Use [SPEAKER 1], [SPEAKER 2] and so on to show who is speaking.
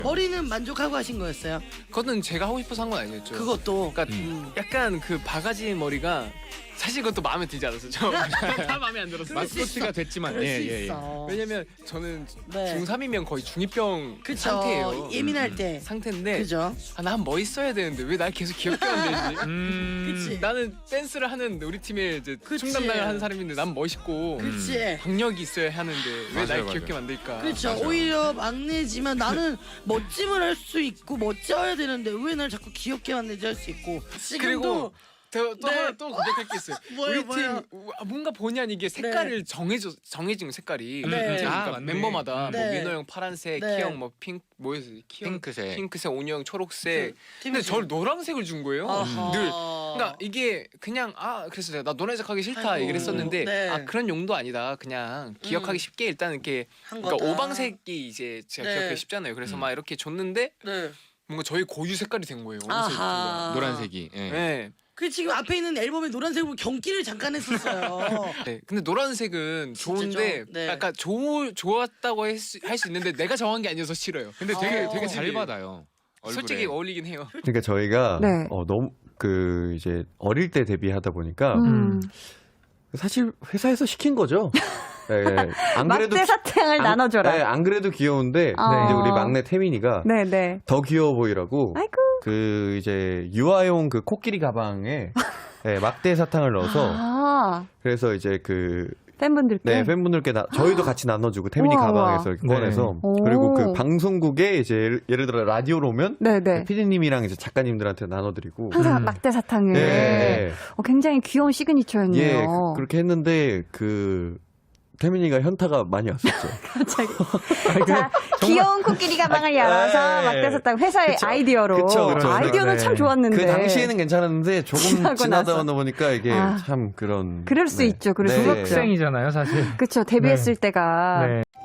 [SPEAKER 1] 머리는 만족하고 하신 거였어요?
[SPEAKER 2] 그거는 제가 하고 싶어서 한 건 아니었죠.
[SPEAKER 1] 그것도.
[SPEAKER 2] 그러니까 약간 그 바가지 머리가 사실 그것도 마음에 들지 않았어요. 다 마음에 안 들었어요.
[SPEAKER 3] 마스코트가 됐지만
[SPEAKER 1] 그럴 수
[SPEAKER 3] 예.
[SPEAKER 1] 있어.
[SPEAKER 2] 왜냐면 저는
[SPEAKER 1] 네.
[SPEAKER 2] 중3이면 거의 중2병
[SPEAKER 1] 그쵸.
[SPEAKER 2] 상태예요.
[SPEAKER 1] 예민할 때.
[SPEAKER 2] 상태인데
[SPEAKER 1] 그죠?
[SPEAKER 2] 난 멋있어야 되는데 왜 날 계속 귀엽게 만들지?
[SPEAKER 1] 그치.
[SPEAKER 2] 나는 댄스를 하는 우리 팀에 이제
[SPEAKER 1] 그치.
[SPEAKER 2] 춤 담당을 하는 사람인데 난 멋있고
[SPEAKER 1] 그치.
[SPEAKER 2] 박력이 있어야 하는데 왜 날
[SPEAKER 3] 맞아요.
[SPEAKER 2] 귀엽게 만들까?
[SPEAKER 1] 그렇죠. 오히려 막내지만 나는 멋짐을 할 수 있고 멋져야 되는데 왜 날 자꾸 귀엽게 만들지 할 수 있고. 지금도
[SPEAKER 2] 또
[SPEAKER 1] 네.
[SPEAKER 2] 하나 또 고백할 게 있어요.
[SPEAKER 1] 뭐예요,
[SPEAKER 2] 우리
[SPEAKER 1] 뭐예요?
[SPEAKER 2] 팀 뭔가 본의 아니게 색깔을 정해진 거 색깔이.
[SPEAKER 1] 네.
[SPEAKER 2] 그러니까
[SPEAKER 3] 맞네.
[SPEAKER 2] 멤버마다
[SPEAKER 1] 네.
[SPEAKER 2] 뭐 민호 형 파란색,
[SPEAKER 1] 네.
[SPEAKER 2] 키 형 뭐 뭐였어요? 키 형
[SPEAKER 3] 핑크색.
[SPEAKER 2] 핑크색, 온유 형 초록색. 근데
[SPEAKER 1] 팀이지.
[SPEAKER 2] 저를 노란색을 준 거예요.
[SPEAKER 1] 아하.
[SPEAKER 2] 늘. 그러니까 이게 그냥 그래서 내가 나 노란색 하기 싫다
[SPEAKER 1] 아이고.
[SPEAKER 2] 얘기를 했었는데
[SPEAKER 1] 네.
[SPEAKER 2] 그런 용도 아니다. 그냥 기억하기 쉽게 일단 이렇게
[SPEAKER 1] 한
[SPEAKER 2] 그러니까
[SPEAKER 1] 거다.
[SPEAKER 2] 오방색이 이제 제가
[SPEAKER 1] 네.
[SPEAKER 2] 기억하기 쉽잖아요. 그래서 막 이렇게 줬는데
[SPEAKER 1] 네.
[SPEAKER 2] 뭔가 저희 고유 색깔이 된 거예요.
[SPEAKER 1] 아하.
[SPEAKER 3] 노란색이. 예.
[SPEAKER 2] 네.
[SPEAKER 1] 그 지금 앞에 있는 앨범에 노란색으로 경기를 잠깐 했었어요.
[SPEAKER 2] 네. 근데 노란색은 좋은데
[SPEAKER 1] 네.
[SPEAKER 2] 약간 좋았다고 할 수 있는데 내가 정한 게 아니어서 싫어요.
[SPEAKER 3] 근데 되게
[SPEAKER 1] 어.
[SPEAKER 3] 잘 받아요. 얼굴에.
[SPEAKER 2] 솔직히 어울리긴 해요.
[SPEAKER 4] 그러니까 저희가
[SPEAKER 5] 네.
[SPEAKER 4] 너무 그 이제 어릴 때 데뷔하다 보니까 사실 회사에서 시킨 거죠. 네, 안 그래도
[SPEAKER 5] 막대 사탕을 나눠줘라.
[SPEAKER 4] 네, 안 그래도 귀여운데
[SPEAKER 5] 어.
[SPEAKER 4] 이제 우리 막내 태민이가
[SPEAKER 5] 네네.
[SPEAKER 4] 더 귀여워 보이라고
[SPEAKER 5] 아이고.
[SPEAKER 4] 그 이제 유아용 그 코끼리 가방에 네, 막대 사탕을 넣어서
[SPEAKER 5] 아,
[SPEAKER 4] 그래서 이제 그
[SPEAKER 5] 팬분들께.
[SPEAKER 4] 네, 팬분들께 저희도 같이 나눠주고 태민이
[SPEAKER 5] 우와,
[SPEAKER 4] 가방에서 이렇게
[SPEAKER 3] 우와.
[SPEAKER 4] 꺼내서
[SPEAKER 5] 네.
[SPEAKER 4] 그리고
[SPEAKER 5] 오.
[SPEAKER 4] 그 방송국에 이제 예를 들어 라디오로 오면
[SPEAKER 5] 네네.
[SPEAKER 4] 피디님이랑 이제 작가님들한테 나눠드리고
[SPEAKER 5] 항상 막대 사탕을.
[SPEAKER 4] 네.
[SPEAKER 5] 굉장히 귀여운 시그니처였네요.
[SPEAKER 4] 예, 그렇게 했는데 그 태민이가 현타가 많이 왔었죠.
[SPEAKER 5] 갑자기. 자, 귀여운 코끼리 가방을 열어서
[SPEAKER 4] 네.
[SPEAKER 5] 막대 사탕 회사의
[SPEAKER 4] 그쵸.
[SPEAKER 5] 아이디어로.
[SPEAKER 4] 그쵸.
[SPEAKER 5] 아이디어는
[SPEAKER 4] 네.
[SPEAKER 5] 참 좋았는데.
[SPEAKER 4] 그 당시에는 괜찮았는데 조금
[SPEAKER 5] 지나고
[SPEAKER 4] 지나다
[SPEAKER 5] 나서.
[SPEAKER 4] 보니까 이게
[SPEAKER 5] 아.
[SPEAKER 4] 참 그런.
[SPEAKER 5] 그럴 수 있죠, 그럴 수 있죠.
[SPEAKER 6] 학생이잖아요, 사실.
[SPEAKER 5] 그쵸, 데뷔했을 때가.
[SPEAKER 6] 네.